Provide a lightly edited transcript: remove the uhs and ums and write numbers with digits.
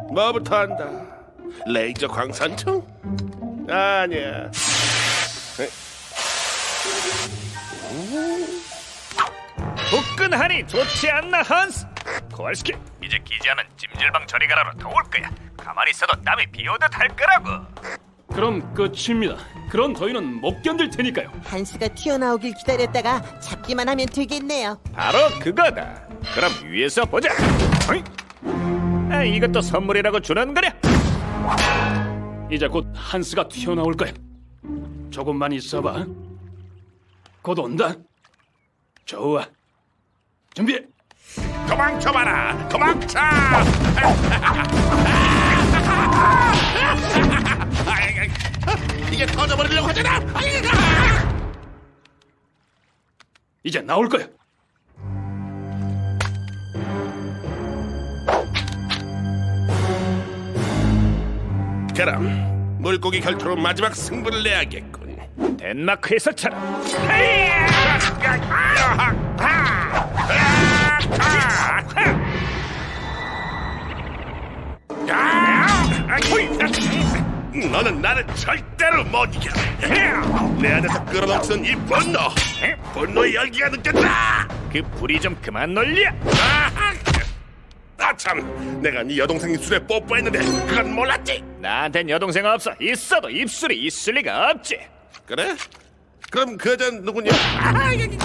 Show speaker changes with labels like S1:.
S1: 뭐부터 한다? 레이저 광산총? 아니야.
S2: 후끈하니 좋지 않나 한스? 코알스키 이제 기지하는 찜질방 저리가라로 더울 거야. 가만히 있어도 땀이 비오듯 할 거라고.
S3: 그럼 끝입니다. 그런 더위는 못 견딜 테니까요.
S4: 한스가 튀어나오길 기다렸다가 잡기만 하면 되겠네요.
S2: 바로 그거다. 그럼 위에서 보자. 어이? 아, 이것도 선물이라고 주는 거냐?
S3: 이제 곧 한스가 튀어나올 거야. 조금만 있어봐. 곧 온다. 좋아. 준비해.
S1: 도망쳐봐라. 도망쳐. 이게 터져버리려고 하잖아.
S3: 이제 나올 거야.
S1: 그럼 물고기 결투로 마지막 승부를 내야겠군.
S2: 덴마크에서처럼.
S1: 너는 나를 절대로 못 이겨. 내 안에서 끌어넘치는 이 분노의 열기가 느껴진다.
S2: 그 불이 좀 그만 놀려.
S1: 아참, 내가 네 여동생 입술에 뽀뽀했는데 그건 몰랐지.
S2: 나한텐 여동생 없어. 있어도 입술이 있을 리가 없지.
S1: 그래? 그럼 그 여자는 누구냐?